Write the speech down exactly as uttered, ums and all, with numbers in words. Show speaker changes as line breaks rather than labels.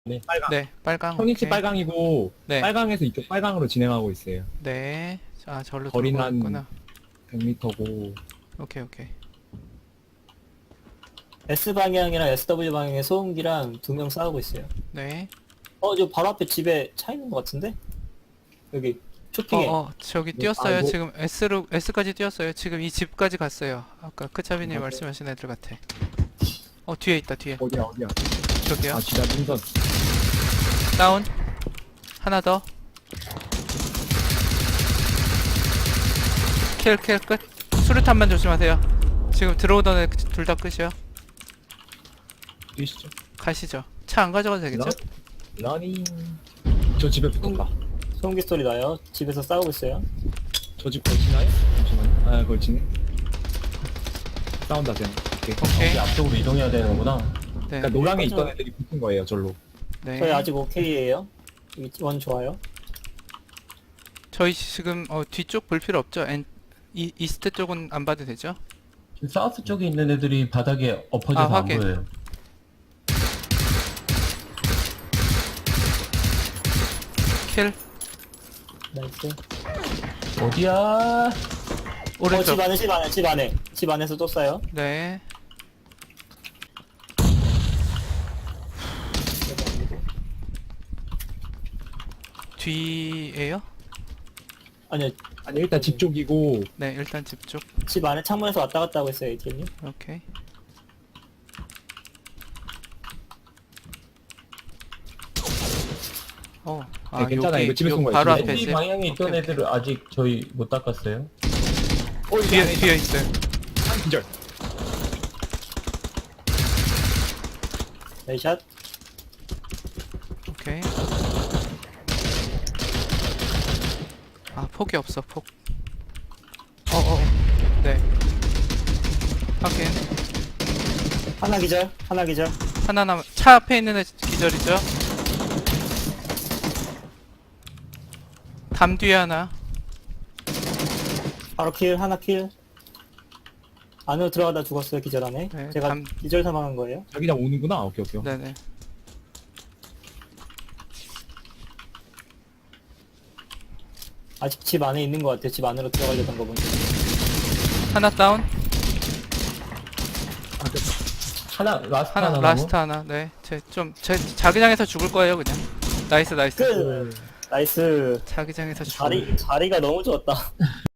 네.
빨강.
네, 빨강.
형님치
오케이.
빨강이고
네.
빨강에서 이쪽 빨강으로 진행하고 있어요.
네. 아, 절로
거리는
돌고
한
있구나.
백 미터고
오케이, 오케이.
S 방향이랑 에스 더블유 방향에 소음기랑 두 명 싸우고 있어요.
네.
어, 저 바로 앞에 집에 차 있는 것 같은데? 여기
어,
쇼핑에.
어, 저기
네,
뛰었어요.
아이고.
지금 S로 S까지 뛰었어요. 지금 이 집까지 갔어요. 아까 크차비님
맞아요.
말씀하신 애들 같아. 어, 뒤에 있다. 뒤에.
어디야 어디야?
저기요.
아 지다 능선.
다운. 하나 더. 킬, 킬, 끝. 수류탄만 조심하세요. 지금 들어오던 애 둘 다 끝이요.
뛰시죠.
가시죠. 차 안 가져가도 되겠죠?
러- 러닝. 저 집에 붙었다.
소음기 소리 나요. 집에서 싸우고 있어요.
저 집 걸치나요? 잠시만요. 아 걸치네. 싸운다 쟤는. 오케이.
오케이.
여기 앞쪽으로 이동해야 되는구나.
네.
그러니까 노랑에
맞아.
있던 애들이 붙은 거예요 절로.
네.
저희 아직 오케이예요. 여기 원 좋아요.
저희 지금 어, 뒤쪽 볼 필요 없죠? 엔, 이, 이스트 쪽은 안 봐도 되죠?
지금 사우스 쪽에 있는 애들이 바닥에 엎어져서
아,
안
확인.
보여요.
킬.
나이스.
어디야?
어,
오른쪽.
집 안에, 집 안에, 집 안에. 집 안에서 또 싸요.
네. 뒤에요?
아니요,
아니 일단 집 쪽이고
네, 일단 집 쪽.
집 안에 창문에서 왔다 갔다 하고 있어요, 에이티엠님.
오케이. 어, 아,
네, 괜찮아.
여기,
이거 집에 쏜
여기
거예요,
바로
집에.
앞에
이
있어요.
방향에 있던
오케이,
애들을 아직 저희 못 닦았어요.
어,
오케이. 뒤에, 뒤에 있어요.
한 기절.
나이샷.
오케이. 아, 폭이 없어, 폭. 어, 어, 어. 네. 확인.
하나 기절, 하나 기절.
하나 남, 차 앞에 있는 애 기절이죠? 담 뒤에 하나.
바로 킬, 하나 킬. 안으로 들어가다 죽었어요, 기절 안에.
네,
제가
담-
기절 사망한 거예요.
자기장 오는구나. 오케이 오케이.
네네.
아직 집 안에 있는 것 같아요. 집 안으로 들어가려던 거 보니까.
하나 다운.
하나 라스트
하나,
하나, 남은?
라스트 하나. 네. 제 좀, 제 자기장에서 죽을 거예요, 그냥. 나이스, 나이스.
끝! 나이스.
자기장에서 죽을.
자리, 자리가 너무 좋았다.